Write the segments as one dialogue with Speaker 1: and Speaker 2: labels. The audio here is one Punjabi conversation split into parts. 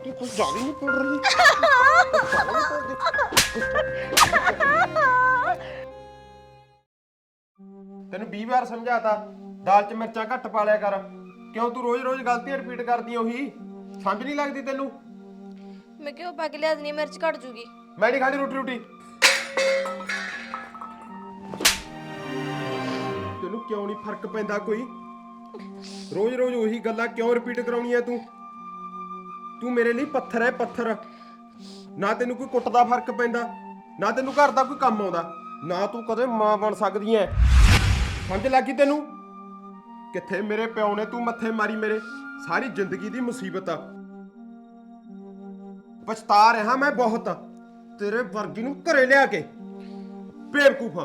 Speaker 1: तू कुछ ज्यादा नहीं पड़ रही तेन 20 बार समझाता दाल च मिर्चा घट पा लिया कर क्यों तू रोज रोज गलतियां रिपीट करदी ओही समझ नहीं लगदी तेनू
Speaker 2: मैं क्यों पा के लिया देनी मिर्च घट जूगी
Speaker 1: मैं नहीं खानी रोटी रोटी तेनू क्यों नहीं फर्क पैंदा कोई रोज रोज ओही गल्लां क्यों रिपीट कराउणी है तू मेरे लिए पत्थर है पत्थर ना तेनू कोई कुੱਟ ਦਾ फर्क पैंदा ना तेनू घर ਦਾ कोई ਕੰਮ ਆਉਂਦਾ ना तू कदे मां बन सकदी है समझ लगी तेनू किथे मेरे प्यो ने तू मत्थे मारी मेरे सारी जिंदगी दी मुसीबत पछता रहा मैं बहुत तेरे वर्गी नू घरे लिया के बेवकूफा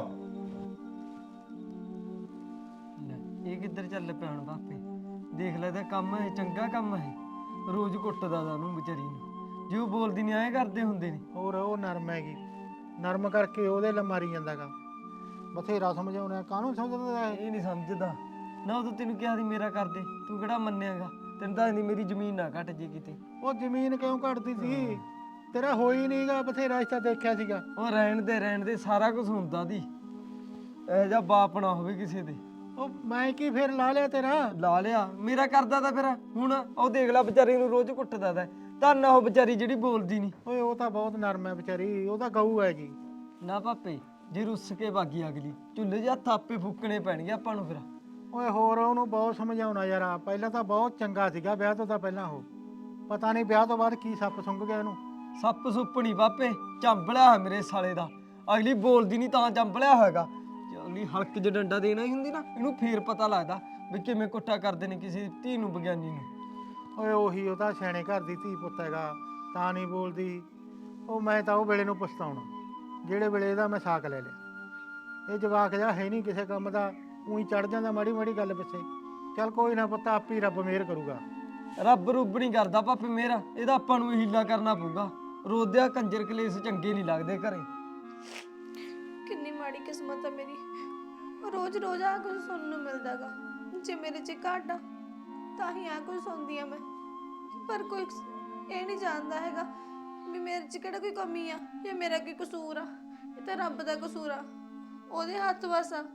Speaker 3: ਇਹ ਕਿੱਧਰ ਚੱਲ ਪਿਆ ਹੁਣ ਬਾਪੇ ਦੇਖ ਲੈ ਤਾਂ ਕੰਮ ਹੈ ਚੰਗਾ ਕੰਮ ਹੈ ਰੋਜ਼ ਕੁੱਟਦਾ ਦਾ ਉਹਨੂੰ ਵਿਚਾਰੀ ਨੂੰ ਜੇ ਉਹ ਬੋਲਦੀ ਨਹੀਂ ਐਂ ਕਰਦੇ ਹੁੰਦੇ ਨੇ
Speaker 4: ਹੋਰ ਉਹ ਨਰਮ ਹੈਗੀ ਨਰਮ ਕਰਕੇ ਉਹਦੇ ਲ ਮਾਰੀ ਜਾਂਦਾਗਾ ਬਥੇਰਾ ਸਮਝਾਉਣਾ ਕਾਹਨੂੰ ਸਮਝਦਾ
Speaker 3: ਇਹ ਨਹੀਂ ਸਮਝਦਾ ਨਾ ਉਹ ਤੈਨੂੰ ਕਿਹਾ ਸੀ ਮੇਰਾ ਕਰਦੇ ਤੂੰ ਕਿਹੜਾ ਮੰਨਿਆਗਾ ਤੈਨੂੰ ਤਾਂ ਨਹੀਂ ਮੇਰੀ ਜ਼ਮੀਨ ਨਾ ਘਟ ਜੇ ਕਿਤੇ
Speaker 4: ਉਹ ਜ਼ਮੀਨ ਕਿਉਂ ਘਟਦੀ ਸੀ ਤੇਰਾ ਹੋਈ ਨਹੀਂਗਾ ਬਥੇਰਾ ਰਿਸ਼ਤਾ ਦੇਖਿਆ ਸੀਗਾ
Speaker 3: ਉਹ ਰਹਿਣ ਦੇ ਸਾਰਾ ਕੁਝ ਹੁੰਦਾ ਦੀ ਇਹ ਜਿਹਾ ਬਾਪ ਨਾ ਹੋਵੇ ਕਿਸੇ ਦੇ
Speaker 4: ਉਹ ਮੈਂ ਕੀ ਫੇਰ ਲਾ ਲਿਆ ਤੇਰਾ
Speaker 3: ਲਾ ਲਿਆ ਮੇਰਾ ਕਰਦਾ ਤਾਂ ਫਿਰ ਹੁਣ ਉਹ ਦੇਖ ਲੈ ਵਿਚਾਰੀ ਨੂੰ ਰੋਜ਼ ਕੁੱਟਦਾ ਦਾ ਧੰਨ ਉਹ ਵਿਚਾਰੀ ਜਿਹੜੀ ਬੋਲਦੀ ਨਹੀਂ
Speaker 4: ਓਏ ਉਹ ਤਾਂ ਬਹੁਤ ਨਰਮ ਹੈ ਵਿਚਾਰੀ ਉਹ ਤਾਂ ਗਊ ਹੈਗੀ
Speaker 3: ਨਾ ਪਾਪੇ ਜੇ ਰੁੱਸ ਕੇ ਬਾਗੀ ਅਗਲੀ ਚੁੱਲ੍ਹੇ 'ਚ ਹੱਥ ਆਪੇ ਫੂਕਣੇ ਪੈਣਗੇ ਆਪਾਂ ਨੂੰ ਫਿਰ
Speaker 4: ਓਏ ਹੋਰ ਉਹਨੂੰ ਬਹੁਤ ਸਮਝਾਉਣਾ ਯਾਰ ਪਹਿਲਾਂ ਤਾਂ ਬਹੁਤ ਚੰਗਾ ਸੀਗਾ ਵਿਆਹ ਤੋਂ ਤਾਂ ਪਹਿਲਾਂ ਉਹ ਪਤਾ ਨਹੀਂ ਵਿਆਹ ਤੋਂ ਬਾਅਦ ਕੀ ਸੱਪ ਸੁੰਘ ਗਿਆ ਇਹਨੂੰ
Speaker 3: ਸੱਪ ਸੁੱਪ ਨਹੀਂ ਬਾਪੇ ਚੰਬਲਿਆ ਹੋਇਆ ਮੇਰੇ ਸਾਲੇ ਦਾ ਅਗਲੀ ਬੋਲਦੀ ਨਹੀਂ ਤਾਂ ਚੰਬਲਿਆ ਹੋਏਗਾ ਜੇ ਅਗਲੀ ਹਲਕ 'ਚ ਡੰਡਾ ਦੇਣਾ ਹੀ ਹੁੰਦੀ ਨਾ ਇਹਨੂੰ ਫੇਰ ਪਤਾ ਲੱਗਦਾ ਵੀ ਕਿਵੇਂ ਕੁੱਟਾ ਕਰਦੇ ਨੇ ਕਿਸੇ ਧੀ ਨੂੰ ਵਿਗਿਆਨੀ ਨੂੰ
Speaker 4: ਓਏ ਉਹੀ ਉਹ ਤਾਂ ਸਿਆਣੇ ਘਰ ਦੀ ਧੀ ਪੁੱਤ ਹੈਗਾ ਤਾਂ ਨਹੀਂ ਬੋਲਦੀ ਉਹ ਮੈਂ ਤਾਂ ਉਹ ਵੇਲੇ ਨੂੰ ਪਛਤਾਉਣਾ ਜਿਹੜੇ ਵੇਲੇ ਇਹਦਾ ਮੈਂ ਸਾਕ ਲੈ ਲਿਆ ਇਹ ਜਵਾਕ ਜਿਹਾ ਹੈ ਨਹੀਂ ਕਿਸੇ ਕੰਮ ਦਾ ਉਹੀ ਚੜ ਜਾਂਦਾ ਮਾੜੀ ਮਾੜੀ ਗੱਲ ਪਿੱਛੇ ਚੱਲ ਕੋਈ ਨਾ ਪੁੱਤ ਆਪੇ ਰੱਬ ਮਿਹਰ ਕਰੂਗਾ
Speaker 3: ਰੱਬ ਰੁੱਬ ਨਹੀਂ ਕਰਦਾ ਪਾਪੇ ਮੇਰਾ ਇਹਦਾ ਆਪਾਂ ਨੂੰ ਹੀਲਾ ਕਰਨਾ ਪਊਗਾ ਰੋਦਿਆ ਕੰਜਰ ਕਲੇਸ਼ ਚੰਗੇ ਨਹੀਂ ਲੱਗਦੇ ਘਰੇ
Speaker 2: कितनी माड़ी किस्मत है मेरी रोज रोज आ कुछ सुनने ਨੂੰ ਮਿਲਦਾਗਾ ਜੇ ਮੇਰੇ ਚ ਘਾਟਾ ਤਾਂ ਹੀ ਆ ਕੁਝ ਸੁਣਦੀ ਆ ਮੈਂ ਪਰ ਕੋਈ ਇਹ ਨਹੀਂ ਜਾਣਦਾ ਹੈਗਾ ਵੀ ਮੇਰੇ ਚ ਕਿਹੜਾ ਕੋਈ ਕਮੀ ਆ ਜਾਂ ਮੇਰਾ ਕੀ ਕਸੂਰ ਆ ਇਹ ਤਾਂ ਰੱਬ ਦਾ ਕਸੂਰ ਆ ਉਹਦੇ ਹੱਥ ਵਸ ਆ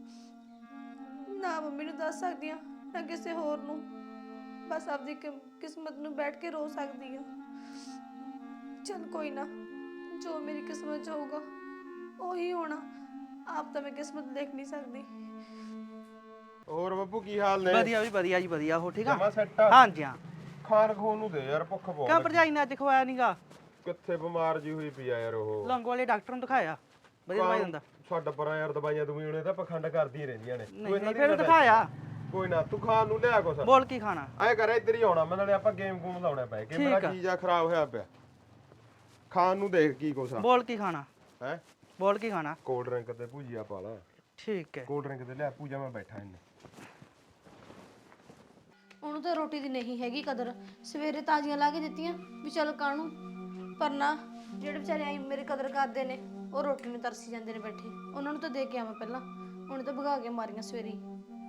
Speaker 2: ਨਾ ਮੰਮੀ ਨੂੰ ਦੱਸ ਸਕਦੀ ਆ ਨਾ ਕਿਸੇ ਹੋਰ ਨੂੰ ਬਸ ਆਪਦੀ ਕਿਸਮਤ ਨੂੰ ਬੈਠ ਕੇ ਰੋ ਸਕਦੀ ਆ ਚਲ ਕੋਈ ਨਾ ਜੋ ਮੇਰੀ ਕਿਸਮਤ ਚ ਹੋਊਗਾ ਉਹੀ ਹੋਣਾ ਆਪ ਤਾਂ ਮੈਂ ਕਿਸਮਤ ਦੇਖ ਨਹੀਂ ਸਕਦੀ
Speaker 1: ਹੋਰ ਬੱਬੂ ਕੀ ਹਾਲ ਨੇ
Speaker 5: ਵਧੀਆ ਵੀ ਵਧੀਆ ਜੀ ਵਧੀਆ ਹੋ ਠੀਕ ਆ
Speaker 1: ਜਮਾ ਸੈੱਟ
Speaker 5: ਹਾਂਜੀ ਹਾਂ
Speaker 1: ਖਾਣ ਖੋਣ ਨੂੰ ਦੇ ਯਾਰ ਭੁੱਖ ਬਹੁਤ
Speaker 5: ਕਿਉਂ ਭਰਜਾਈ ਨੇ ਅੱਜ ਖਵਾਇਆ ਨੀਗਾ
Speaker 1: ਕਿੱਥੇ ਬਿਮਾਰ ਜੀ ਹੋਈ ਪਈ ਆ ਯਾਰ ਉਹ
Speaker 5: ਲੰਗ ਵਾਲੇ ਡਾਕਟਰ ਨੂੰ ਦਿਖਾਇਆ ਵਧੀਆ ਦਵਾਈ ਦਿੰਦਾ
Speaker 1: ਛੱਡ ਪਰਾਂ ਯਾਰ ਦਵਾਈਆਂ ਦਵਾਈਆਂ ਉਹਨੇ ਤਾਂ ਪਖੰਡ ਕਰਦੀਆਂ ਰਹਿੰਦੀਆਂ ਨੇ
Speaker 5: ਨਹੀਂ ਨਹੀਂ ਫਿਰ ਦਿਖਾਇਆ
Speaker 1: ਕੋਈ ਨਾ ਤੂੰ ਖਾਣ ਨੂੰ ਲਿਆ ਕੁਛ
Speaker 5: ਬੋਲ ਕੀ ਖਾਣਾ
Speaker 1: ਐ ਕਰ ਇੱਧਰ ਹੀ ਆਉਣਾ ਮੈਂ ਨਾਲੇ ਆਪਾਂ ਗੇਮ ਗੂਮ ਲਾਉਣਾ ਪਏ ਕਿ ਮੇਰਾ ਚੀਜ਼ ਆ ਖਰਾਬ ਹੋਇਆ ਪਿਆ ਖਾਣ ਨੂੰ ਦੇਖ ਕੀ ਕੁਛ ਆ
Speaker 5: ਬੋਲ ਕੀ ਖਾਣਾ
Speaker 1: ਹੈ
Speaker 5: ਬੋਲ ਕੀ ਖਾਣਾ
Speaker 1: ਕੋਲਡ ਡਰਿੰਕ ਤੇ ਭੁਜੀਆ ਪਾ ਲਾ
Speaker 5: ਠੀਕ ਹੈ
Speaker 1: ਕੋਲਡ ਡਰਿੰਕ ਤੇ ਲਿਆ ਪੂਜਾ ਮੈਂ ਬੈਠਾ ਇੰਨੇ
Speaker 2: ਉਹਨੂੰ ਤਾਂ ਰੋਟੀ ਦੀ ਨਹੀਂ ਹੈਗੀ ਕਦਰ ਸਵੇਰੇ ਤਾਜ਼ੀਆਂ ਲਾ ਕੇ ਦਿੱਤੀਆਂ ਵੀ ਚਲ ਕਾਹਨੂੰ ਪਰ ਨਾ ਜਿਹੜੇ ਵਿਚਾਰੇ ਆਈ ਮੇਰੇ ਕਦਰ ਕਰਦੇ ਨੇ ਉਹ ਰੋਟੀ ਨੂੰ ਤਰਸੀ ਜਾਂਦੇ ਨੇ ਬੈਠੇ ਉਹਨਾਂ ਨੂੰ ਤਾਂ ਦੇ ਕੇ ਆਵਾਂ ਪਹਿਲਾਂ ਉਹਨੇ ਤਾਂ ਭਗਾ ਕੇ ਮਾਰੀਆਂ ਸਵੇਰੇ ਹੀ।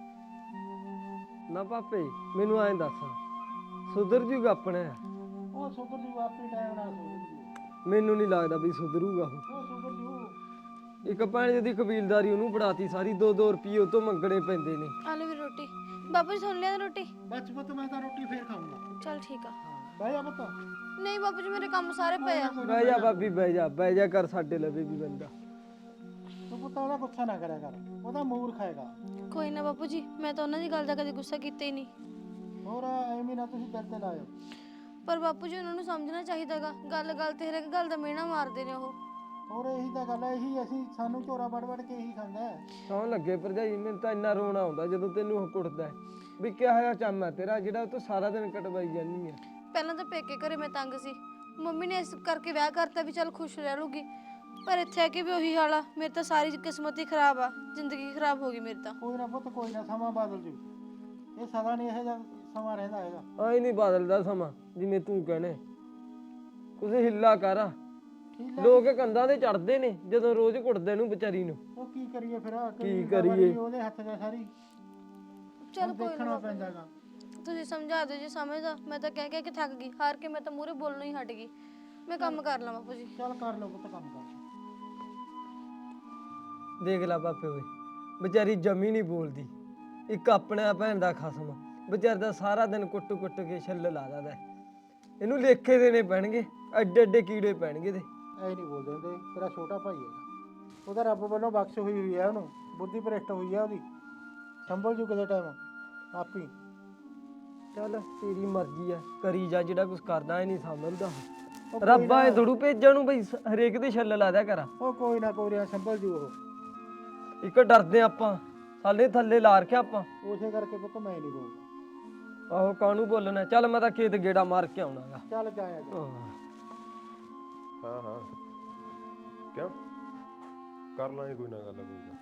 Speaker 3: ਨਾ ਪਾਪੇ ਮੈਨੂੰ ਐਂ ਦੱਸ ਸੁਧਰ ਜੂਗਾ ਆਪਣੇ
Speaker 4: ਉਹ ਸੁਧਰ ਜੂ ਆਪੇ ਟਾਈਮ ਨਾਲ ਸੁਧਰ ਜੂ
Speaker 3: ਮੈਨੂੰ ਨਹੀਂ ਲੱਗਦਾ ਵੀ ਸੁਧਰੂਗਾ
Speaker 4: ਉਹ ਸੁਧਰ ਜੂ
Speaker 3: ਇੱਕ ਭੈਣ ਦੀ ਕਬੀਲਦਾਰੀ ਉਹਨੂੰ ਫੜਾਤੀ ਸਾਰੀ 2-2 ਰੁਪਏ ਉਹ ਤੋਂ ਮੰਗਣੇ ਪੈਂਦੇ ਨੇ
Speaker 2: ਆ ਲੈ ਵੀ ਰੋਟੀ ਬਾਪੂ ਜੀ ਸੁਣ ਲਿਆ ਰੋਟੀ
Speaker 4: ਬਸ ਪੁੱਤ ਮੈਂ ਤਾਂ ਰੋਟੀ ਫੇਰ ਖਾਊਂਗਾ
Speaker 2: ਚਲ ਠੀਕ ਆ
Speaker 4: ਬਹਿ ਜਾ ਪੁੱਤ
Speaker 2: ਨਹੀਂ ਬਾਪੂ ਜੀ ਮੇਰੇ ਕੰਮ ਸਾਰੇ ਪਏ ਆ
Speaker 3: ਬਹਿ ਜਾ ਭਾਬੀ ਬਹਿ ਜਾ ਕਰ ਸਾਡੇ ਲਵੇ ਵੀ ਬੰਦਾ
Speaker 4: ਤੂੰ ਪੁੱਤ ਉਹਦਾ ਗੁੱਸਾ ਨਾ ਕਰਿਆ ਕਰ ਉਹਦਾ ਮੂਰਖ ਹੈਗਾ
Speaker 2: ਕੋਈ ਨਾ ਬਾਪੂ ਜੀ ਮੈਂ ਤਾਂ ਉਹਨਾਂ ਦੀ ਗੱਲ ਦਾ ਕਦੇ ਗੁੱਸਾ ਕੀਤਾ ਹੀ ਨਹੀਂ
Speaker 4: ਹੋਰ ਐਵੇਂ ਨਾ ਤੁਸੀਂ ਦਿਲ ਤੇ ਲਾਇਓ
Speaker 2: ਪਰ ਬਾਪੂ ਜੀ ਉਹਨਾਂ ਨੂੰ ਸਮਝਣਾ ਚਾਹੀਦਾਗਾ ਗੱਲ ਗੱਲ ਤੇ ਹਰੇਕ ਗੱਲ ਦਾ ਮਿਹਣਾ ਮਾਰਦੇ ਨੇ ਉਹ
Speaker 4: ਹੋਰ ਇਹੀ ਤਾਂ ਗੱਲ ਹੈ ਇਹੀ ਅਸੀਂ ਸਾਨੂੰ ਝੋਰਾ ਵੜ ਵੜ ਕੇ ਇਹੀ ਖਾਂਦਾ ਹੈ
Speaker 3: ਸੌਂ ਲੱਗੇ ਭਰਜਾਈ ਮੈਨੂੰ ਤਾਂ ਇੰਨਾ ਰੋਣਾ ਆਉਂਦਾ ਜਦੋਂ ਤੈਨੂੰ ਉਹ ਕੁੱਟਦਾ ਵੀ ਕਿਹਾ ਹੋਇਆ ਚੰਮ ਹੈ ਤੇਰਾ ਜਿਹੜਾ ਉਹ ਤੋਂ ਸਾਰਾ ਦਿਨ ਕਟਵਾਈ ਜਾਂਦੀ ਹੈ
Speaker 2: ਪਹਿਲਾਂ ਤਾਂ ਪੇਕੇ ਘਰੇ ਮੈਂ ਤੰਗ ਸੀ ਮੰਮੀ ਨੇ ਇਸ ਕਰਕੇ ਵਿਆਹ ਕਰਤਾ ਵੀ ਚੱਲ ਖੁਸ਼ ਰਹਿ ਲੂਗੀ ਪਰ ਇੱਥੇ ਆ ਕੇ ਵੀ ਉਹੀ ਹਾਲ ਆ ਮੇਰੀ ਤਾਂ ਸਾਰੀ ਕਿਸਮਤ ਹੀ ਖਰਾਬ ਆ ਜ਼ਿੰਦਗੀ ਖਰਾਬ ਹੋ ਗਈ ਮੇਰੀ ਤਾਂ
Speaker 4: ਕੋਈ ਨਾ ਪੁੱਤ ਕੋਈ ਨਾ ਸਮਾਂ ਬਦਲ ਜੂ ਇਹ ਸਦਾ ਨਹੀਂ ਇਹੋ ਜਿਹਾ ਸਮਾਂ ਰਹਿੰਦਾ ਹੈਗਾ
Speaker 3: ਆਈ ਨਹੀਂ ਬਦਲਦਾ ਸਮਾਂ ਜਿਵੇਂ ਤੂੰ ਕਹਨੇ ਕੁਝ ਹਿੱਲਾ ਕਰ ਲੋਕ ਕੰਧਾਂ ਤੇ ਚੜਦੇ ਨੇ ਜਦੋਂ ਰੋਜ਼ ਕੁੱਟਦੇ ਨੂੰ ਵਿਚਾਰੀ ਨੂੰ
Speaker 4: ਉਹ ਕੀ ਕਰੀਏ ਫਿਰ
Speaker 3: ਕੀ ਕਰੀਏ?
Speaker 4: ਉਹਦੇ ਹੱਥ ਦਾ ਸਾਰੀ
Speaker 2: ਚੱਲ ਕੋਈ
Speaker 4: ਦੇਖਣਾ ਪੈਂਦਾਗਾ
Speaker 2: ਤੁਸੀਂ ਸਮਝਾ ਦਿਓ ਜੀ ਸਮਝਦਾ। ਮੈਂ ਤਾਂ ਕਹਿ ਕੇ ਥੱਕ ਗਈ, ਹਾਰ ਕੇ ਮੈਂ ਤਾਂ ਮੂਹਰੇ ਬੋਲਣੋਂ ਹੀ ਹਟ ਗਈ। ਮੈਂ ਕੰਮ ਕਰ ਲਾਂ ਬਾਪੂ ਜੀ।
Speaker 4: ਚੱਲ ਕਰ ਲਓ ਪੁੱਤ ਕੰਮ ਕਰ।
Speaker 3: ਦੇਖ ਲੈ ਪਾਪੇ ਓਏ, ਵਿਚਾਰੀ ਜਮੀ ਨਹੀਂ ਬੋਲਦੀ। ਇੱਕ ਆਪਣਾ ਭੈਣ ਦਾ ਖਸਮ ਵਿਚਾਰ ਦਾ ਸਾਰਾ ਦਿਨ ਕੁੱਟ ਕੇ ਛੱਲ ਲਾ ਦਿੰਦਾ। ਇਹਨੂੰ ਲੇਖੇ ਦੇਣੇ ਪੈਣਗੇ, ਐਡੇ ਐਡੇ ਕੀੜੇ ਪੈਣਗੇ ਤੇ।
Speaker 4: ਐ ਨਹੀਂ ਬੋਲਦੇ ਹੁੰਦੇ, ਤੇਰਾ ਛੋਟਾ ਭਾਈ ਹੈਗਾ, ਉਹਦਾ ਰੱਬ ਵੱਲੋਂ ਬਖਸ਼ ਹੋਈ ਹੈ, ਉਹਨੂੰ ਬੁੱਧੀ ਭ੍ਰਿਸ਼ਟ ਹੋਈ ਹੈ ਉਹਦੀ, ਸੰਭਲ ਜੂ ਕਿਸੇ ਟਾਈਮ ਆਪੀ।
Speaker 3: ਚੱਲ ਤੇਰੀ ਮਰਜ਼ੀ ਆ, ਕਰੀ ਜਾ ਜਿਹੜਾ ਕੁਝ ਕਰਦਾ। ਇਹ ਨਹੀਂ ਸਮਝਦਾ
Speaker 4: ਉਹ ਕੋਈ
Speaker 3: ਰੱਬਾ ਇਹ
Speaker 4: ਨਾ-
Speaker 3: ਥੋੜੂ ਭੇਜਣ ਨੂੰ ਬਈ ਹਰੇਕ ਦੇ ਛੱਲ ਲਾ ਦਿਆ ਕਰ।
Speaker 4: ਉਹ ਕੋਈ ਨਾ ਕੋਈ ਨਾ ਸੰਭਲ ਜੂ ਉਹ।
Speaker 3: ਇੱਕ ਡਰਦੇ ਆਪਾਂ, ਸਾਲੇ ਥੱਲੇ ਲਾ ਰੱਖਿਆ ਆਪਾਂ।
Speaker 4: ਉਸੇ ਕਰਕੇ ਪੁੱਤ ਮੈਂ ਨਹੀਂ ਬੋਲਦਾ।
Speaker 3: ਆਹੋ ਕਾਹਨੂੰ ਬੋਲਣਾ। ਚੱਲ ਮੈਂ ਤਾਂ ਖੇਤ ਗੇੜਾ ਮਾਰ ਕੇ ਆਉਣਾਗਾ।
Speaker 4: ਚੱਲ ਜਾਇਆ ਜਾ।
Speaker 1: ਹਾਂ ਹਾਂ ਕਿਉਂ ਕਰ ਲਾਂਗੇ ਕੋਈ ਨਾ ਗੱਲ ਕੋਈ ਨਾ।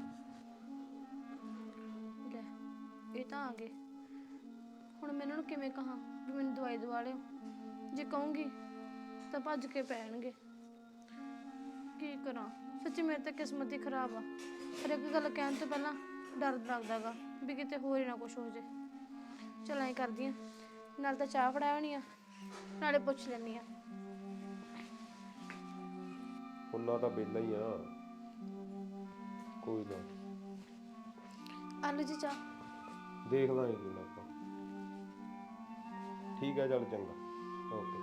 Speaker 2: ਲੈ ਇਹ ਤਾਂ ਆ ਗਏ। ਹੁਣ ਮੈਂ ਇਹਨਾਂ ਨੂੰ ਕਿਵੇਂ ਕਹਾਂ ਵੀ ਮੈਨੂੰ ਦਵਾਈ ਦਵਾ ਲਿਓ? ਜੇ ਕਹੂੰਗੀ ਤਾਂ ਭੱਜ ਕੇ ਪੈਣਗੇ। ਕੀ ਕਰਾਂ? ਸੱਚੀ ਮੇਰੇ ਤਾਂ ਕਿਸਮਤ ਹੀ ਖਰਾਬ ਆ। ਹਰ ਇੱਕ ਗੱਲ ਕਹਿਣ ਤੋਂ ਪਹਿਲਾਂ ਡਰ ਲੱਗਦਾਗਾ ਵੀ ਕਿਤੇ ਹੋਰ ਹੀ ਨਾ ਕੁਝ ਹੋ ਜੇ। ਚਲ ਐਂ ਕਰਦੀ ਆ, ਨਾਲ ਤਾਂ ਚਾਹ ਫੜਾ ਹੋਣੀ ਆ, ਨਾਲੇ ਪੁੱਛ ਲੈਣੀ ਆ।
Speaker 1: ਉਹਨਾਂ ਤਾਂ ਵਿਹਲਾ ਹੀ ਆ, ਕੋਈ ਨਾ
Speaker 2: ਆਲੂ ਜੀ ਚਾਹ।
Speaker 1: ਦੇਖ ਲਾਂਗੇ ਕੋਈ ਨਾ ਆਪਾਂ। ਠੀਕ ਆ ਚੱਲ ਚੰਗਾ ਓਕੇ।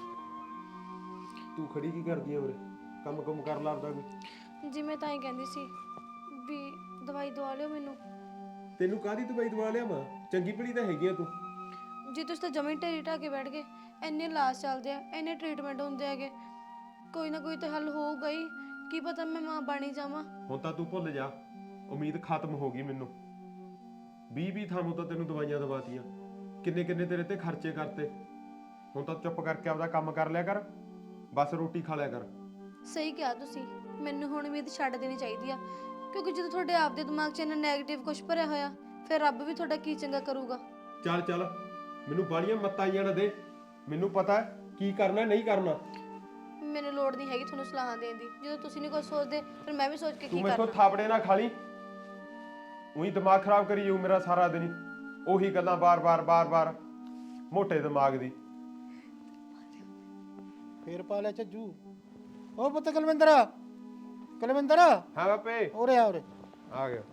Speaker 1: ਤੂੰ ਖੜੀ ਕੀ ਕਰਦੀ ਆ ਉਰੇ? ਕੰਮ ਕੁਮ ਕਰ ਲਾਂਦਾ ਕੋਈ?
Speaker 2: ਜੀ ਮੈਂ ਤਾਂ ਹੀ ਕਹਿੰਦੀ ਸੀ ਵੀ ਦਵਾਈ ਦਵਾ ਲਿਓ ਮੈਨੂੰ।
Speaker 1: ਤੈਨੂੰ ਕਾਹਦੀ ਦਵਾਈ ਦਵਾ ਲਿਆ ਮਾਂ? ਚੰਗੀ ਭਲੀ ਤਾਂ ਹੈਗੀ ਆ ਤੂੰ।
Speaker 2: ਜੀ ਤੁਸੀਂ ਤਾਂ ਜਮੀ ਢੇਰੀ ਢਾ ਕੇ ਬੈਠ ਗਏ। ਇੰਨੇ ਇਲਾਜ ਚੱਲਦੇ ਆ, ਇੰਨੇ ਟ੍ਰੀਟਮੈਂਟ ਹੁੰਦੇ ਹੈਗੇ, ਕੋਈ ਨਾ ਕੋਈ ਤਾਂ ਹੱਲ ਹੋਊਗਾ ਹੀ। ਕੀ ਪਤਾ ਮੈਂ ਮਾਂ ਬਣੀ ਜਾਵਾਂ।
Speaker 1: ਹੁਣ ਤਾਂ ਤੂੰ ਭੁੱਲ ਜਾ, ਉਮੀਦ ਖਤਮ ਹੋ ਗਈ ਮੈਨੂੰ। 20 ਥਾਂ ਤਾਂ ਤੈਨੂੰ ਦਵਾਈਆਂ ਦਵਾਤੀਆਂ, ਕਿੰਨੇ ਕਿੰਨੇ ਤੇਰੇ ਤੇ ਖਰਚੇ ਕਰਤੇ। ਹੁਣ ਤਾਂ ਚੁੱਪ ਕਰਕੇ ਆਪਦਾ ਕੰਮ ਕਰ ਲਿਆ ਕਰ, ਬਸ ਰੋਟੀ ਖਾ ਲਿਆ ਕਰ।
Speaker 2: ਸਹੀ ਕਿਹਾ ਤੁਸੀਂ। ਮੈਨੂੰ ਹੁਣ ਉਮੀਦ ਛੱਡ ਦੇਣੀ ਚਾਹੀਦੀ ਆ, ਕਿਉਂਕਿ ਜਦੋਂ ਤੁਹਾਡੇ ਆਪ ਦੇ ਦਿਮਾਗ 'ਚ ਇੰਨਾ ਨੈਗੇਟਿਵ ਕੁਝ ਭਰਿਆ ਹੋਇਆ, ਫਿਰ ਰੱਬ ਵੀ ਤੁਹਾਡਾ ਕੀ ਚੰਗਾ ਕਰੂਗਾ।
Speaker 1: ਚੱਲ ਚੱਲ ਮੈਨੂੰ ਬਾਲੀਆਂ ਮੱਤਾਂ ਆਈਆਂ ਨਾ ਦੇ। ਮੈਨੂੰ ਪਤਾ ਕੀ ਕਰਨਾ ਨਹੀਂ ਕਰਨਾ।
Speaker 2: ਮੈਨੂੰ ਲੋੜ ਨਹੀਂ ਹੈਗੀ ਤੁਹਾਨੂੰ ਸਲਾਹਾਂ ਦੇਣ ਦੀ। ਜਦੋਂ ਤੁਸੀਂ ਨਹੀਂ ਕੁਝ ਸੋਚਦੇ ਫਿਰ ਮੈਂ ਵੀ ਸੋਚ ਕੇ
Speaker 1: ਤੂੰ
Speaker 2: ਕੀ
Speaker 1: ਮੇਰੇ ਕੋਲ
Speaker 2: ਕਰਨਾ।
Speaker 1: ਥਾਪੜੇ ਨਾ ਖਾ ਲਈ, ਉਹੀ ਦਿਮਾਗ ਖਰਾਬ ਕਰੀ ਜਾਊ ਮੇਰਾ ਸਾਰਾ ਦਿਨ ਹੀ। ਉਹੀ ਗੱਲਾਂ ਬਾਰ-ਬਾਰ ਮੋਟੇ ਦਿਮਾਗ ਦੀ।
Speaker 4: ਫੇਰ ਪਾ ਲਿਆ ਝੱਜੂ। ਉਹ ਪੁੱਤ ਕੁਲਵਿੰਦਰ, ਕੁਲਵਿੰਦਰ
Speaker 1: ਹਾਂ ਬਾਪੇ
Speaker 4: ਉਰੇ ਆ ਉਰੇ।
Speaker 1: ਆ ਗਿਆ।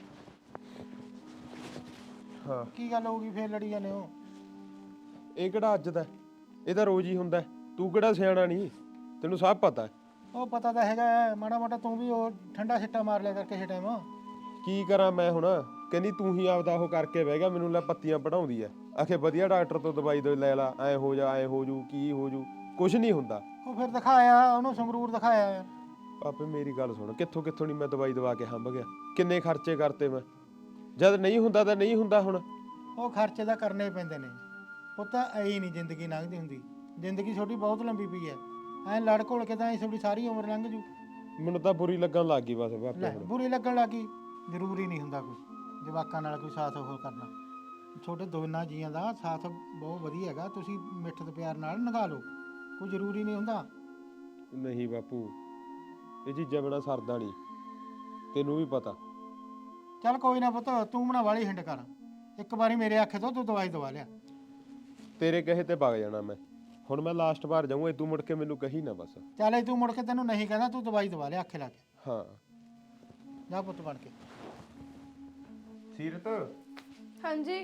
Speaker 1: ਹਾਂ
Speaker 4: ਕੀ ਗੱਲ ਹੋ ਗਈ? ਫੇਰ ਲੜੀ ਜਾਂਦੇ ਹੋ?
Speaker 1: ਇਹ ਕਿਹੜਾ ਅੱਜ ਦਾ, ਇਹ ਤਾਂ ਰੋਜ਼ ਹੀ ਹੁੰਦਾ। ਤੂੰ ਕਿਹੜਾ ਸਿਆਣਾ ਨਹੀਂ, ਤੈਨੂੰ ਸਭ ਪਤਾ।
Speaker 4: ਉਹ ਪਤਾ ਤਾਂ ਹੈਗਾ ਹੈ, ਮਾੜਾ ਮਾੜਾ ਤੂੰ ਵੀ ਉਹ ਠੰਡਾ ਸਿੱਟਾ ਮਾਰ ਲਿਆ ਕਰ ਕਿਸੇ ਟਾਈਮ।
Speaker 1: ਕੀ ਕਰਾਂ ਮੈਂ ਹੁਣ? ਕਹਿੰਦੀ ਤੂੰ ਹੀ ਆਪਦਾ ਉਹ ਕਰਕੇ ਬਹਿ ਗਿਆ, ਮੈਨੂੰ ਲੈ ਪੱਤੀਆਂ ਪੜਾਉਂਦੀ ਐ। ਆਖੇ ਵਧੀਆ ਡਾਕਟਰ ਤੋਂ ਦਵਾਈ ਦੇ ਲੈ ਲਾ, ਐ ਹੋ ਜਾ ਐ ਹੋ ਜੂ, ਕੀ ਹੋ ਜੂ, ਕੁਛ ਨਹੀਂ ਹੁੰਦਾ।
Speaker 4: ਉਹ ਫਿਰ ਦਿਖਾਇਆ ਉਹਨੂੰ, ਸੰਗਰੂਰ ਦਿਖਾਇਆ।
Speaker 1: ਆਪੇ ਮੇਰੀ ਗੱਲ ਸੁਣ, ਕਿੱਥੋਂ ਕਿੱਥੋਂ ਨਹੀਂ ਮੈਂ ਦਵਾਈ ਦਵਾ ਕੇ ਹੰਭ ਗਿਆ। ਕਿੰਨੇ ਖਰਚੇ ਕਰਤੇ ਮੈਂ, ਜਦ ਨਹੀਂ ਹੁੰਦਾ ਤਾਂ ਨਹੀਂ ਹੁੰਦਾ। ਹੁਣ
Speaker 4: ਉਹ ਖਰਚੇ ਤਾਂ ਕਰਨੇ ਪੈਂਦੇ ਨੇ ਪੁੱਤ, ਐ ਹੀ ਨਹੀਂ ਜ਼ਿੰਦਗੀ ਲੰਘਦੀ ਹੁੰਦੀ। ਜ਼ਿੰਦਗੀ ਛੋਟੀ ਬਹੁਤ ਲੰਬੀ ਪਈ ਐ, ਐ ਲੜ ਘੋਲ ਕੇ ਤਾਂ ਤੁਹਾਡੀ ਸਾਰੀ ਉਮਰ ਲੰਘ ਜੂ।
Speaker 1: ਮੈਨੂੰ ਤਾਂ ਬੁਰੀ ਲੱਗਣ ਲੱਗ ਗਈ ਬਸ
Speaker 4: ਲੈ
Speaker 1: ਬਾਪੇ ਹੁਣ।
Speaker 4: ਬੁਰੀ ਲੱਗਣ ਲੱਗੀ। ਜ਼ਰੂਰੀ ਨਹੀਂ ਹੁੰਦਾ ਕੋਈ ਜਵਾਕਾਂ ਨਾਲ ਕੋਈ ਸਾਥ ਉਹ ਕਰਨਾ। ਛੋਟੇ ਦੋਨਾਂ ਜੀਆਂ ਦਾ ਸਾਥ ਬਹੁਤ ਵਧੀਆ ਹੈਗਾ, ਤੁਸੀਂ ਮਿੱਠ ਤੇ ਪਿਆਰ ਨਾਲ ਨਿਭਾ ਲਓ, ਕੋਈ ਜ਼ਰੂਰੀ ਨਹੀਂ ਹੁੰਦਾ।
Speaker 1: ਨਹੀਂ ਬਾਪੂ, ਇਹ ਚੀਜ਼ਾਂ ਬਿਨਾਂ ਸਰਦਾ ਨਹੀਂ, ਤੈਨੂੰ ਵੀ ਪਤਾ।
Speaker 4: ਚੱਲ ਕੋਈ ਨਾ ਪੁੱਤ, ਤੂੰ ਬਣਾ ਵਾਲੀ ਹਿੰਡ ਕਰ। ਇੱਕ ਵਾਰੀ ਮੇਰੇ ਆਖੇ ਤੋਂ ਤੂੰ ਦਵਾਈ ਦਵਾ ਲਿਆ।
Speaker 1: ਤੇਰੇ ਕਹੇ ਤੇ ਵਗ ਜਾਣਾ ਮੈਂ। ਹੁਣ ਮੈਂ ਲਾਸਟ ਵਾਰ ਜਾਊਂ, ਤੂੰ ਮੁੜ ਕੇ ਮੈਨੂੰ ਕਹੀ ਨਾ ਬਸ।
Speaker 4: ਚੱਲ ਇਹ ਤੂੰ ਮੁੜ ਕੇ ਤੈਨੂੰ ਨਹੀਂ ਕਹਿੰਦਾ, ਤੂੰ ਦਵਾਈ ਦਵਾ ਲਿਆ ਆਖੇ ਲਾ ਕੇ।
Speaker 1: ਹਾਂ
Speaker 4: ਜਾ ਪੁੱਤ ਬਣ ਕੇ।
Speaker 1: ਸੀਰਤ
Speaker 2: ਹਾਂਜੀ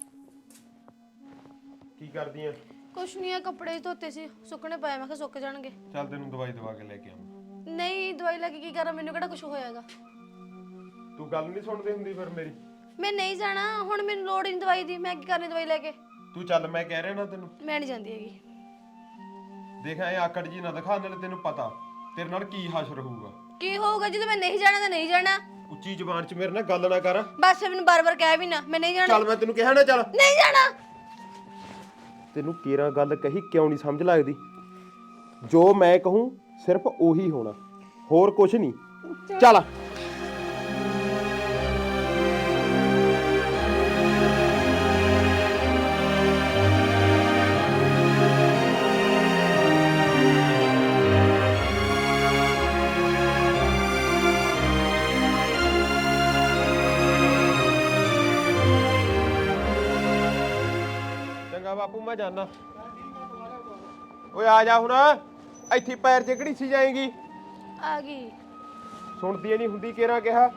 Speaker 1: ਕੀ ਕਰਦੀ ਆ?
Speaker 2: ਕੁਛ ਨਹੀਂ ਆ, ਕੱਪੜੇ ਧੋਤੇ ਸੀ, ਸੁੱਕਣੇ ਪਏ, ਮੈਂ ਕਿਹਾ ਸੁੱਕ ਜਾਣਗੇ।
Speaker 1: ਚੱਲ ਤੈਨੂੰ ਦਵਾਈ ਦਵਾ ਕੇ ਲੈ ਕੇ ਆਵਾਂ।
Speaker 2: ਨਹੀਂ ਦਵਾਈ ਲੈ ਕੇ ਕੀ ਕਰਾਂ? ਮੈਨੂੰ ਕਿਹੜਾ ਕੁਝ ਹੋਇਆਗਾ।
Speaker 1: ਤੂੰ ਗੱਲ ਨਹੀਂ ਸੁਣਦੀ ਹੁੰਦੀ ਫਿਰ ਮੇਰੀ।
Speaker 2: ਮੈਂ ਨਹੀਂ ਜਾਣਾ, ਹੁਣ ਮੈਨੂੰ ਲੋੜ ਹੀ ਨਹੀਂ ਦਵਾਈ ਦੀ। ਮੈਂ ਕੀ ਕਰਨੀ ਦਵਾਈ ਲੈ ਕੇ?
Speaker 1: ਤੂੰ ਚੱਲ, ਮੈਂ ਕਹਿ ਰਿਹਾ ਨਾ ਤੈਨੂੰ।
Speaker 2: ਮੈਂ ਨਹੀਂ ਜਾਂਦੀ ਹੈਗੀ।
Speaker 1: ਦੇਖ ਐ ਆਕੜ ਜੀ ਨਾ ਦਿਖਾ, ਨਾਲੇ ਤੈਨੂੰ ਪਤਾ ਤੇਰੇ ਨਾਲ ਕੀ ਹਸ਼ਰ ਹੋਊਗਾ।
Speaker 2: ਕੀ ਹੋਊਗਾ? ਜਦੋਂ ਮੈਂ ਨਹੀਂ ਜਾਣਾ ਤਾਂ ਨਹੀਂ ਜਾਣਾ।
Speaker 1: ਉੱਚੀ ਜ਼ੁਬਾਨ 'ਚ ਮੇਰੇ ਨਾਲ ਗੱਲ ਨਾ ਕਰ।
Speaker 2: ਬਸ ਮੈਨੂੰ ਬਾਰ-ਬਾਰ ਕਹਿ ਵੀ ਨਾ, ਮੈਂ ਨਹੀਂ ਜਾਣਾ।
Speaker 1: ਚੱਲ ਮੈਂ ਤੈਨੂੰ ਕਿਹਾ ਨਾ ਚੱਲ।
Speaker 2: ਨਹੀਂ ਜਾਣਾ।
Speaker 1: ਤੈਨੂੰ ਕੇਰਾਂ ਗੱਲ ਕਹੀ ਕਿਉਂ ਨਹੀਂ ਸਮਝ ਲੱਗਦੀ? ਜੋ ਮੈਂ ਕਹੂੰ ਸਿਰਫ ਉਹੀ ਹੋਣਾ, ਹੋਰ ਕੁਝ ਨਹੀਂ। ਚੱਲ ਬਾਪੂ ਮੈਂ ਜਾਣਾ। ਓਏ ਆ ਜਾ ਹੁਣ, ਇੱਥੇ ਪੈਰ 'ਚ ਕਿਹੜੀ ਸੀ ਜਾਏਗੀ?
Speaker 2: ਆ ਗਈ।
Speaker 1: ਸੁਣਦੀ ਨਹੀਂ ਹੁੰਦੀ ਕਿਹੜਾ ਕਿਹਾ।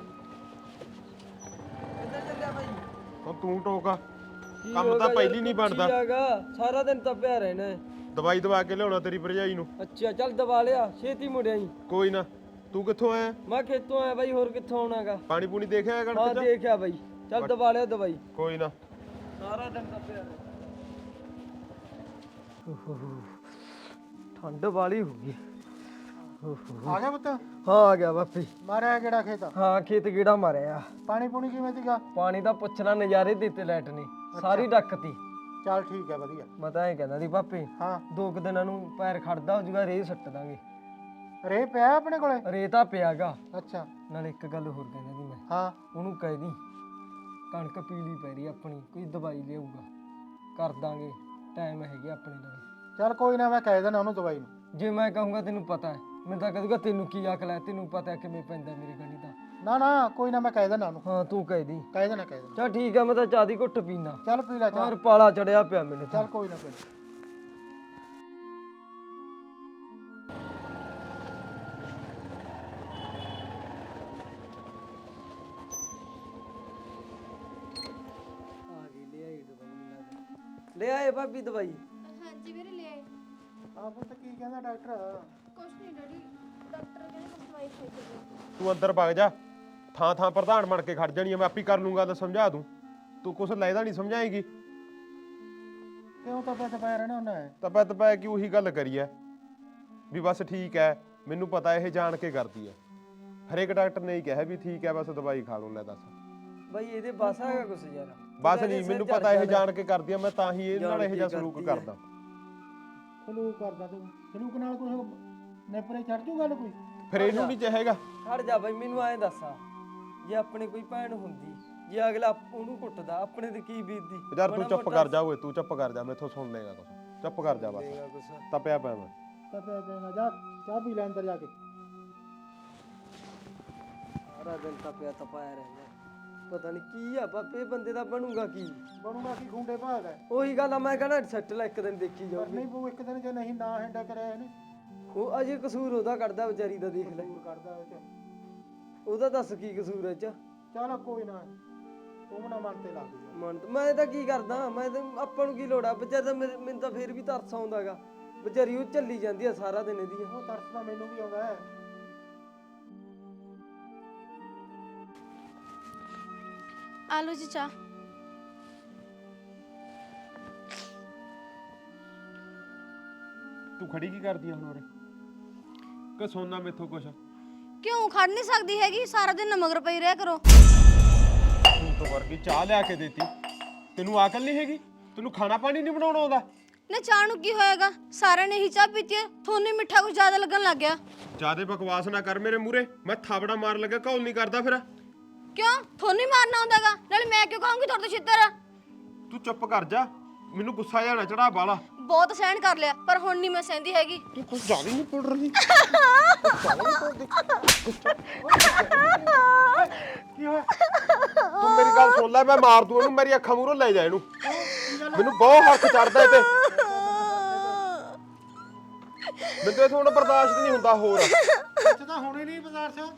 Speaker 3: ਕਿੱਧਰ ਚੱਲਿਆ ਬਾਈ?
Speaker 1: ਹੁਣ ਤੂੰ ਟੋਕਾ,
Speaker 3: ਕੀ
Speaker 1: ਕੰਮ
Speaker 3: ਹੋ
Speaker 1: ਤਾਂ
Speaker 3: ਗਿਆ
Speaker 1: ਪਹਿਲੀ
Speaker 3: ਯਾਰ,
Speaker 1: ਨਹੀਂ
Speaker 3: ਕੀ
Speaker 1: ਬਣਦਾ।
Speaker 3: ਹੈਗਾ? ਸਾਰਾ ਦਿਨ ਤਾਂ ਪਿਆ ਰਹਿਣਾ ਹੈ।
Speaker 1: ਦਵਾਈ ਦਵਾ ਕੇ ਲਿਆਉਣਾ ਤੇਰੀ ਭਰਜਾਈ ਨੂੰ।
Speaker 3: ਅੱਛਾ ਚੱਲ ਦਵਾ ਲਿਆ, ਛੇਤੀ ਮੁੜਿਆ ਜੀ।
Speaker 1: ਕੋਈ ਨਾ, ਤੂੰ ਕਿੱਥੋਂ ਆਇਆ?
Speaker 3: ਮੈਂ ਖੇਤੋਂ ਆਇਆ ਬਾਈ, ਹੋਰ ਕਿੱਥੋਂ ਆਉਣਾਗਾ?
Speaker 1: ਪਾਣੀ ਪੂਣੀ ਦੇਖਿਆ
Speaker 3: ਹਾਂ
Speaker 1: ਕਣਕ 'ਚ?
Speaker 3: ਦੇਖਿਆ ਬਾਈ, ਚੱਲ ਦਵਾ ਲਿਆ ਦਵਾਈ।
Speaker 1: ਕੋਈ ਨਾ।
Speaker 3: ਸਾਰਾ ਦਿਨ ਤਾਂ ਪਿਆ ਰਹਿਣਾ। ਠੰਡ ਵਾਲੀ ਹੋ ਗਈ।
Speaker 4: ਆ ਗਿਆ ਪੁੱਤ?
Speaker 3: ਹਾਂ ਆ ਗਿਆ ਬਾਪੀ।
Speaker 4: ਮਾਰਿਆ ਕਿਹੜਾ ਖੇਤ?
Speaker 3: ਹਾਂ ਖੇਤ ਗੇੜਾ ਮਾਰਿਆ।
Speaker 4: ਪਾਣੀ ਪੂਣੀ ਕਿਵੇਂ ਸੀਗਾ?
Speaker 3: ਪਾਣੀ ਦਾ ਪੁੱਛਣਾ, ਨਜ਼ਾਰੇ ਦਿੱਤੇ ਲਾਈਟ ਨੇ ਸਾਰੀ ਡੱਕਤੀ।
Speaker 4: ਚੱਲ ਠੀਕ ਹੈ ਵਧੀਆ।
Speaker 3: ਮੈਂ ਤਾਂ ਇਹ ਕਹਿੰਦਾ ਸੀ ਪਾਪੀ,
Speaker 4: ਹਾਂ
Speaker 3: 2 ਦਿਨਾਂ ਨੂੰ ਪੈਰ ਖੜਦਾ ਹੋ ਜੂਗਾ, ਰੇਹ ਸੱਟ ਦਾਂਗੇ।
Speaker 4: ਰੇ ਪਿਆ ਆਪਣੇ ਕੋਲੇ?
Speaker 3: ਰੇਹ ਤਾਂ ਪਿਆਗਾ।
Speaker 4: ਅੱਛਾ
Speaker 3: ਨਾਲ ਇੱਕ ਗੱਲ ਹੋਰ ਕਹਿੰਦਾ ਸੀ ਮੈਂ,
Speaker 4: ਹਾਂ
Speaker 3: ਉਹਨੂੰ ਕਹਿ ਦੀ ਕਣਕ ਪੀਲੀ ਪੈ ਰਹੀ ਆਪਣੀ, ਕੋਈ ਦਵਾਈ ਲਿਆਊਗਾ, ਕਰ ਦਾਂਗੇ, ਟਾਈਮ ਹੈਗੇ ਆਪਣੇ ਲਈ।
Speaker 4: ਚੱਲ ਕੋਈ ਨਾ, ਮੈਂ ਕਹਿ ਦੇਣਾ ਉਹਨੂੰ ਦਵਾਈ ਨੂੰ।
Speaker 3: ਜੇ ਮੈਂ ਕਹੂੰਗਾ ਤੈਨੂੰ ਪਤਾ ਹੈ, ਮੈਂ ਤਾਂ ਕਹੂੰਗਾ ਤੈਨੂੰ ਕੀ ਅਕਲ ਹੈ, ਤੈਨੂੰ ਪਤਾ ਹੈ ਕਿਵੇਂ ਪੈਂਦਾ ਮੇਰੇ ਗਣੀ ਦਾ।
Speaker 4: ਨਾ ਨਾ ਕੋਈ ਨਾ, ਮੈਂ ਕਹਿ ਦੇਣਾ ਉਹਨੂੰ।
Speaker 3: ਹਾਂ ਤੂੰ ਕਹਿ ਦੀ।
Speaker 4: ਕਹਿ ਦੇਣਾ ਕਹਿ ਦੇਣਾ।
Speaker 3: ਚੱਲ ਠੀਕ ਆ, ਮੈਂ ਤਾਂ ਚਾਹ ਦੀ ਘੁੱਟ ਪੀਣਾ।
Speaker 4: ਚੱਲ ਪੀ ਲੈ
Speaker 3: ਯਾਰ
Speaker 4: ਚੱਲ।
Speaker 3: ਪਾਲਾ ਚੜਿਆ ਪਿਆ ਮੈਨੂੰ ਤਾਂ।
Speaker 4: ਚੱਲ ਕੋਈ ਨਾ ਕੋਈ ਨਾ।
Speaker 3: ਆ ਗਈ, ਲੈ ਆਈ ਦਵਾਈ। ਲੈ ਆਏ ਭਾਬੀ ਦਵਾਈ?
Speaker 2: ਹਾਂਜੀ ਵੀਰੇ ਲੈ ਆਏ।
Speaker 4: ਹਾਂ ਪੁੱਤ ਕੀ ਕਹਿੰਦਾ ਡਾਕਟਰ?
Speaker 2: ਕੁਛ ਨਹੀਂ ਡੈਡੀ, ਡਾਕਟਰ ਕਹਿੰਦੇ ਬਸ ਦਵਾਈ ਖਾਈ ਚੱਲੋ।
Speaker 1: ਤੂੰ ਅੰਦਰ ਵਗ ਜਾ, ਥਾਂ ਥਾਂ ਪ੍ਰਧਾਨ ਬਣ ਕੇ ਖੜ ਜਾਣੀ ਆ। ਮੈਂ ਆਪੀ ਕਰ ਲੂੰਗਾ ਤਾਂ ਸਮਝਾ ਦੂੰ, ਤੂੰ ਕੁਛ ਲੈਦਾ ਨਹੀਂ ਸਮਝਾਏਗੀ।
Speaker 4: ਕਿਉਂ ਤਾਂ ਪੈਸੇ ਪਾਇਆ ਰਹਿਣਾ ਉਹਨੇ?
Speaker 1: ਤਪੈ ਤਪੈ ਕਿ ਉਹੀ ਗੱਲ ਕਰੀ ਐ ਵੀ ਬਸ ਠੀਕ ਐ, ਮੈਨੂੰ ਪਤਾ ਇਹ ਜਾਣ ਕੇ ਕਰਦੀ ਐ। ਹਰੇਕ ਡਾਕਟਰ ਨੇ ਹੀ ਕਿਹਾ ਵੀ ਠੀਕ ਐ, ਬਸ ਦਵਾਈ ਖਾ ਲਓ। ਲੈ ਦੱਸ
Speaker 3: ਬਾਈ ਇਹਦੇ ਬਸ ਹੈਗਾ ਕੁਛ ਯਾਰ?
Speaker 1: ਬਸ ਨਹੀਂ, ਮੈਨੂੰ ਪਤਾ ਇਹ ਜਾਣ ਕੇ ਕਰਦੀ ਆ, ਮੈਂ ਤਾਂ ਹੀ ਇਹ ਨਾਲ ਇਹੋ ਜਿਹਾ ਸਲੂਕ ਕਰਦਾ।
Speaker 4: ਸਲੂਕ ਕਰਦਾ ਤੂੰ? ਸਲੂਕ ਨਾਲ ਕੁਝ ਨੇਪਰੇ ਚੜ ਜੂ ਗੱਲ ਕੋਈ?
Speaker 1: ਫਿਰ ਇਹਨੂੰ ਨਹੀਂ ਚਾਹੇਗਾ।
Speaker 3: ਖੜ ਜਾ ਬਾਈ, ਮੈਨੂੰ ਐਂ ਦੱਸਾ, ਜੇ ਆਪਣੇ ਕੋਈ ਭੈਣ ਹੁੰਦੀ, ਜੇ ਅਗਲਾ ਉਹਨੂੰ ਕੁੱਟਦਾ, ਆਪਣੇ ਤੇ ਕੀ ਬੀਤਦੀ?
Speaker 1: ਯਾਰ ਤੂੰ ਚੁੱਪ ਕਰ ਜਾ ਓਏ, ਤੂੰ ਚੁੱਪ ਕਰ ਜਾ, ਮੈਥੋਂ ਸੁਣ ਲੇਗਾ ਕੁਛ। ਚੁੱਪ ਕਰ ਜਾ ਬਸ, ਤਪਿਆ ਪਿਆ ਮੈਂ।
Speaker 4: ਤਾਂ ਪਿਆ ਪਏਗਾ, ਜਾ ਚਾਹ ਪੀ ਲੈ ਅੰਦਰ ਜਾ ਕੇ।
Speaker 3: ਸਾਰਾ ਦਿਨ ਤਾਂ ਪਿਆ ਤਪਾਇਆ ਰਹਿੰਦਾ, ਪਤਾ ਨਹੀਂ ਕੀ ਆ ਬਾਪੇ, ਬੰਦੇ ਦਾ ਬਣੂਗਾ ਕੀ?
Speaker 4: ਬਣੂਗਾ ਕੀ, ਖੁੰਡੇ ਭਾਗ ਹੈ।
Speaker 3: ਉਹੀ ਗੱਲ ਆ, ਮੈਂ ਕਹਿੰਦਾ ਸੱਟ ਲੈ ਇੱਕ ਦਿਨ ਦੇਖੀ
Speaker 4: ਪਰ
Speaker 3: ਜਾਊਗੀ।
Speaker 4: ਨਹੀਂ ਪਊ ਇੱਕ ਦਿਨ, ਜੇ ਨਹੀਂ ਨਾ ਹੈਂਡਾ ਕਰਿਆ ਇਹਨੇ।
Speaker 3: ਉਹ ਅਜੇ ਕਸੂਰ ਉਹਦਾ ਕੱਢਦਾ ਵਿਚਾਰੀ ਦਾ, ਦੇਖ ਲੈ।
Speaker 4: ਕਸੂਰ ਕਰਦਾ ਉਹ ਚ।
Speaker 3: ਉਹਦਾ ਦੱਸ ਕੀ ਕਸੂਰ ਐ ਚ?
Speaker 4: ਚੱਲ ਕੋਈ ਨਾ, ਤੂੰ ਨਾ ਮਨ ਤੇ ਲਾ ਦੇ।
Speaker 3: ਮਨ ਮੈਂ ਤਾਂ ਕੀ ਕਰਦਾ, ਮੈਂ ਤਾਂ ਆਪਾਂ ਨੂੰ ਕੀ ਲੋੜ ਆ? ਵਿਚਾਰ ਤਾਂ ਮੈਨੂੰ ਤਾਂ ਫੇਰ ਵੀ ਤਰਸ ਆਉਂਦਾਗਾ, ਵਿਚਾਰੀ ਉਹ ਚੱਲੀ ਜਾਂਦੀ ਆ ਸਾਰਾ ਦਿਨ ਇਹਦੀ।
Speaker 4: ਉਹ ਤਰਸ ਤਾਂ ਮੈਨੂੰ ਵੀ ਆਉਂਦਾ ਹੈ।
Speaker 2: ਆ ਲਓ ਜੀ ਚਾਹ।
Speaker 1: ਤੂੰ ਖੜੀ ਕੀ ਕਰਦੀ ਆ ਹੁਣ ਉਰੇ? ਕਿ ਸੋਨਾ ਮੈਥੋਂ ਕੁਛ?
Speaker 2: ਕਿਉਂ ਖੜ ਨਹੀਂ ਸਕਦੀ ਹੈਗੀ? ਸਾਰਾ ਦਿਨ ਮਗਰ ਪਈ ਰਿਹਾ ਕਰੋ।
Speaker 1: ਤੂੰ ਤਾਂ ਵਰਗੀ ਚਾਹ ਲਿਆ ਕੇ ਦੇਤੀ, ਤੈਨੂੰ ਅਕਲ ਨਹੀਂ ਹੈਗੀ? ਤੈਨੂੰ ਖਾਣਾ ਪਾਣੀ ਨਹੀਂ ਬਣਾਉਣਾ ਆਉਂਦਾ?
Speaker 2: ਨਾ ਚਾਹ ਨੂੰ ਕੀ ਹੋਏਗਾ? ਸਾਰਿਆਂ ਨੇ ਹੀ ਚਾਹ ਪੀਤੀ ਹੈ, ਤੁਹਾਨੂੰ ਹੀ ਮਿੱਠਾ ਕੁਝ ਜ਼ਿਆਦਾ ਲੱਗਣ ਲੱਗ ਗਿਆ।
Speaker 1: ਜਿਆਦੇ ਬਕਵਾਸ ਨਾ ਕਰ ਮੇਰੇ ਮੂਹਰੇ, ਮੈਂ ਥਾਬੜਾ ਮਾਰ ਲੱਗਾ, ਘੌਲ ਨਹੀਂ ਕਰਦਾ ਫਿਰ।
Speaker 2: ਕਿਉਂ? ਤੁਹਾਨੂੰ ਹੀ ਮਾਰਨਾ ਆਉਂਦਾਗਾ? ਨਾਲੇ ਮੈਂ ਕਿਉਂ ਕਹੂੰਗੀ ਤੁਹਾਡੇ ਤੋਂ ਛਿੱਤਰ?
Speaker 1: ਤੂੰ ਚੁੱਪ ਕਰ ਜਾ, ਮੈਨੂੰ ਗੁੱਸਾ ਜਾਣਾ ਚੜਾ ਬਾਲਾ।
Speaker 2: ਬਹੁਤ ਸਹਿਣ ਕਰ ਲਿਆ, ਪਰ ਹੁਣ ਨਹੀਂ ਮੈਂ ਸਹਿੰਦੀ ਹੈਗੀ।
Speaker 1: ਤੂੰ ਕੁਝ ਜ਼ਿਆਦਾ ਨਹੀਂ ਪੁੱਟ ਰਹੀ।
Speaker 4: ਕੀ ਹੋਇਆ?
Speaker 1: ਤੂੰ ਮੇਰੀ ਗੱਲ ਸੁਣ ਲੈ, ਮੈਂ ਮਾਰ ਦੂੰ ਇਹਨੂੰ, ਮੇਰੀ ਅੱਖਾਂ ਮੂਹਰੋਂ ਲੈ ਜਾ ਇਹਨੂੰ। ਮੈਨੂੰ ਬਹੁਤ ਹੱਥ ਚੜਦਾ ਇਹ ਤੇ, ਮੈਨੂੰ ਇਹ ਹੁਣ ਬਰਦਾਸ਼ਤ ਨਹੀਂ ਹੁੰਦਾ ਹੋਰ।
Speaker 4: ਇੱਥੇ ਤਾਂ ਹੁਣੇ ਨਹੀਂ ਬਾਜ਼ਾਰ 'ਚ।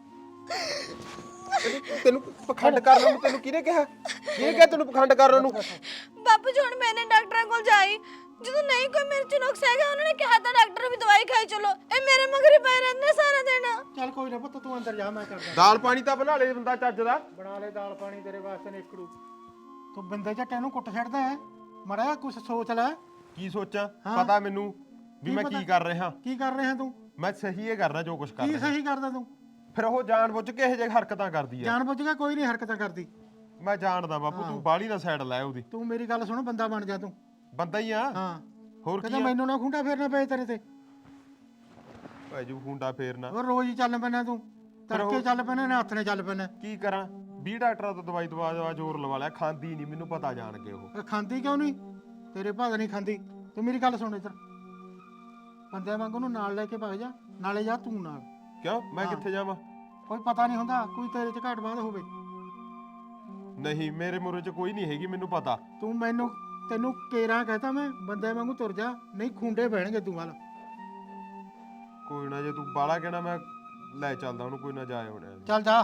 Speaker 1: ਤੈਨੂੰ ਪਖੰਡ ਕਰਨ ਨੂੰ ਤੈਨੂੰ ਕਿਹਨੇ ਕਿਹਾ? ਕਿਹਨੇ ਕਿਹਾ ਤੈਨੂੰ ਪਖੰਡ ਕਰਨ ਨੂੰ?
Speaker 2: ਬਾਪੂ ਜੀ ਹੁਣ ਮੈਨੇ ਡਾਕਟਰਾਂ ਕੋਲ ਜਾਈ, ਜਦੋਂ ਨਹੀਂ ਕੋਈ ਮੇਰੇ ਚ ਨੁਕਸ ਹੈਗਾ, ਉਹਨਾਂ ਨੇ ਕਿਹਾ ਤਾਂ ਡਾਕਟਰ ਵੀ ਦਵਾਈ ਖਾਈ ਚਲੋ। ਇਹ ਮੇਰੇ ਮਗਰ ਹੀ ਪਏ ਰਹਿੰਦੇ ਸਾਰਾ ਦਿਨ।
Speaker 4: ਚੱਲ ਕੋਈ ਨਾ ਪੁੱਤ, ਤੂੰ ਅੰਦਰ ਜਾ, ਮੈਂ ਕਰਦਾ।
Speaker 1: ਦਾਲ ਪਾਣੀ ਤਾਂ ਬਣਾ ਲੈ ਬੰਦਾ ਚੱਜ ਦਾ।
Speaker 4: ਬਣਾ ਲੈ ਦਾਲ ਪਾਣੀ, ਤੇਰੇ ਵਾਸਤੇ ਨੇਕੜੂ। ਤੂੰ ਬਿੰਦੇ ਝੱਟੇ ਨੂੰ ਕੁੱਟ ਛੱਡਦਾ ਹੈ, ਮੜਾ ਕੁਛ ਸੋਚ ਲੈ।
Speaker 1: ਕੀ ਸੋਚਾਂ?
Speaker 4: ਹਾਂ।
Speaker 1: ਪਤਾ ਮੈਨੂੰ ਵੀ
Speaker 4: ਕੀ
Speaker 1: ਮੈਂ
Speaker 4: ਪਤਾ?
Speaker 1: ਕੀ ਕਰ ਰਿਹਾ।
Speaker 4: ਕੀ ਕਰ ਰਿਹਾ ਤੂੰ?
Speaker 1: ਮੈਂ ਸਹੀ ਇਹ ਕਰਦਾ ਜੋ ਕੁਝ ਕਰ
Speaker 4: ਕੀ
Speaker 1: ਰਿਹਾ।
Speaker 4: ਸਹੀ ਕਰਦਾ ਤੂੰ?
Speaker 1: ਫਿਰ ਉਹ ਜਾਣ ਬੁੱਝ ਕੇ ਇਹੋ ਜਿਹੇ ਹਰਕਤਾਂ ਕਰਦੀ ਆ।
Speaker 4: ਜਾਣ ਬੁੱਝ ਕੇ ਕੋਈ ਨਹੀਂ ਹਰਕਤਾਂ ਕਰਦੀ।
Speaker 1: ਮੈਂ ਜਾਣਦਾ ਬਾਪੂ, ਤੂੰ ਬਾਹਲੀ ਨਾ ਸਾਈਡ ਲੈ ਉਹਦੀ।
Speaker 4: ਤੂੰ ਮੇਰੀ ਗੱਲ ਸੁਣ, ਬੰਦਾ ਬਣ ਜਾ ਤੂੰ।
Speaker 1: ਬੰਦਾ ਹੀ ਆ।
Speaker 4: ਹਾਂ
Speaker 1: ਹੋਰ
Speaker 4: ਕਹਿੰਦਾ
Speaker 1: ਕੀ
Speaker 4: ਮੈਨੂੰ ਨਾ ਖੁੰਡਾ ਫੇਰਨਾ ਪਏ ਤੇਰੇ ਤੇ।
Speaker 1: ਭਾਈ ਜੂ ਖੁੰਡਾ ਫੇਰਨਾ
Speaker 4: ਹੋਰ ਰੋਜ਼ ਹੀ ਚੱਲ ਪੈਣਾ ਤੂੰ, ਤੜਕੇ ਚੱਲ ਪੈਣਾ ਨੇ, ਹੱਥ ਨੇ ਚੱਲ ਪੈਣਾ।
Speaker 1: ਕੀ ਕਰਾਂ? 20 ਡਾਕਟਰਾਂ ਤੋਂ ਦਵਾਈ ਦਵਾ ਜ਼ੋਰ ਲਵਾ ਲਿਆ, ਖਾਂਦੀ ਨਹੀਂ, ਮੈਨੂੰ ਪਤਾ ਜਾਣ ਕੇ ਉਹ।
Speaker 4: ਇਹ ਖਾਂਦੀ ਕਿਉਂ ਨਹੀਂ? ਤੇਰੇ ਭਾਦ ਨਹੀਂ ਖਾਂਦੀ। ਤੂੰ ਮੇਰੀ ਗੱਲ ਸੁਣ ਇੱਧਰ, ਬੰਦਿਆਂ ਵਾਂਗ ਉਹਨੂੰ ਨਾਲ ਲੈ ਕੇ ਭੱਜ ਜਾ, ਨਾਲੇ ਜਾ ਤੂੰ ਨਾਲ।
Speaker 1: ਕਿਉਂ? ਮੈਂ ਕਿੱਥੇ ਜਾਵਾਂ?
Speaker 4: ਕੋਈ ਪਤਾ ਨਹੀਂ ਹੁੰਦਾ, ਕੋਈ ਤੇਰੇ ਚ ਘਾਟ ਬਾਤ ਹੋਵੇ।
Speaker 1: ਨਹੀਂ, ਮੇਰੇ ਮੂਹਰੇ 'ਚ ਕੋਈ ਨਹੀਂ ਹੈਗੀ, ਮੈਨੂੰ ਪਤਾ।
Speaker 4: ਤੂੰ ਮੈਨੂੰ ਤੈਨੂੰ ਕੇਰਾਂ ਕਹਤਾ ਮੈਂ ਬੰਦੇ ਵਾਂਗੂ ਤੁਰ ਜਾ, ਨਹੀਂ ਖੁੰਡੇ ਬਹਿਣਗੇ ਤੂੰ ਵੱਲ।
Speaker 1: ਕੋਈ ਨਾ, ਜੇ ਤੂੰ ਬਾਲਾ ਕਹਿਣਾ ਮੈਂ ਲੈ ਚੱਲਦਾ ਉਹਨੂੰ, ਕੋਈ ਨਾ ਜਾਏ ਹੋਣਾ।
Speaker 4: ਚੱਲ ਜਾ,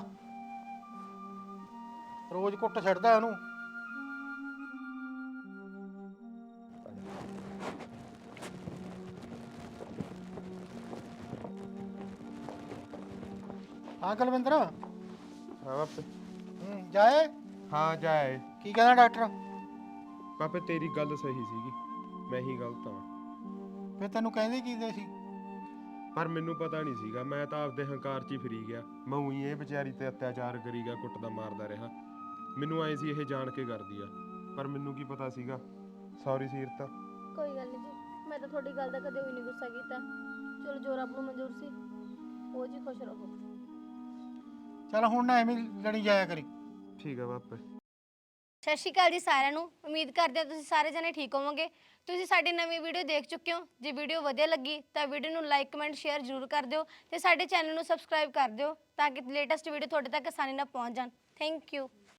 Speaker 4: ਰੋਜ਼ ਕੁੱਟ ਛੱਡਦਾ ਉਹਨੂੰ। ਹਾਂ ਕੁਲਵਿੰਦਰ,
Speaker 1: ਹਾਂ ਬਾਪੇ।
Speaker 4: ਜਾਏ
Speaker 1: ਹਾਂ ਜਾਏ।
Speaker 4: ਕੀ ਕਹਿੰਦਾ ਡਾਕਟਰ?
Speaker 1: ਬਾਪੇ ਤੇਰੀ ਗੱਲ ਸਹੀ ਸੀਗੀ, ਮੈਂ ਹੀ ਗਲਤ ਹਾਂ।
Speaker 4: ਫਿਰ ਤੈਨੂੰ ਕਹਿੰਦੇ ਕੀ ਦੇ ਸੀ?
Speaker 1: ਪਰ ਮੈਨੂੰ ਪਤਾ ਨਹੀਂ ਸੀਗਾ, ਮੈਂ ਤਾਂ ਆਪਦੇ ਹੰਕਾਰ 'ਚ ਹੀ ਫਰੀ ਗਿਆ। ਮੈਂ ਉਹੀ ਇਹ ਵਿਚਾਰੀ ਤੇ ਅਤਿਆਚਾਰ ਕਰੀ ਗਿਆ, ਕੁੱਟਦਾ ਮਾਰਦਾ ਰਿਹਾ। ਮੈਨੂੰ ਆਏ ਸੀ ਇਹ ਜਾਣ ਕੇ ਕਰਦੀ ਆ, ਪਰ ਮੈਨੂੰ ਕੀ ਪਤਾ ਸੀਗਾ। ਸੌਰੀ ਸੀਰਤ।
Speaker 2: ਕੋਈ ਗੱਲ ਨਹੀਂ ਜੀ, ਮੈਂ ਤਾਂ ਤੁਹਾਡੀ ਗੱਲ ਦਾ ਕਦੇ ਵੀ ਨਹੀਂ ਗੁੱਸਾ ਕੀਤਾ। ਚਲੋ ਜੋ ਰੱਬ ਨੂੰ ਮਨਜ਼ੂਰ ਸੀ, ਉਹ ਜੀ ਖੁਸ਼ ਰਹੋ।
Speaker 4: ਚੱਲ ਹੁਣ ਨਾ ਐਵੇਂ ਲੜੀ ਜਾਇਆ ਕਰੀ।
Speaker 1: ਠੀਕ ਆ ਬਾਪੇ।
Speaker 2: ਸਤਿ ਸ਼੍ਰੀ ਅਕਾਲ ਜੀ ਸਾਰਿਆਂ ਨੂੰ। ਉਮੀਦ ਕਰਦੇ ਹਾਂ ਤੁਸੀਂ ਸਾਰੇ ਜਣੇ ਠੀਕ ਹੋਵੋਗੇ। ਤੁਸੀਂ ਸਾਡੀ ਨਵੀਂ ਵੀਡੀਓ ਦੇਖ ਚੁੱਕੇ ਹੋ। ਜੇ ਵੀਡੀਓ ਵਧੀਆ ਲੱਗੀ ਤਾਂ ਵੀਡੀਓ ਨੂੰ ਲਾਈਕ ਕਮੈਂਟ ਸ਼ੇਅਰ ਜ਼ਰੂਰ ਕਰ ਦਿਓ ਤੇ ਸਾਡੇ ਚੈਨਲ ਨੂੰ ਸਬਸਕ੍ਰਾਈਬ ਕਰ ਦਿਓ ਤਾਂ ਕਿ ਲੇਟੈਸਟ ਵੀਡੀਓ ਤੁਹਾਡੇ ਤੱਕ ਆਸਾਨੀ ਨਾਲ ਪਹੁੰਚ ਜਾਣ। Thank you.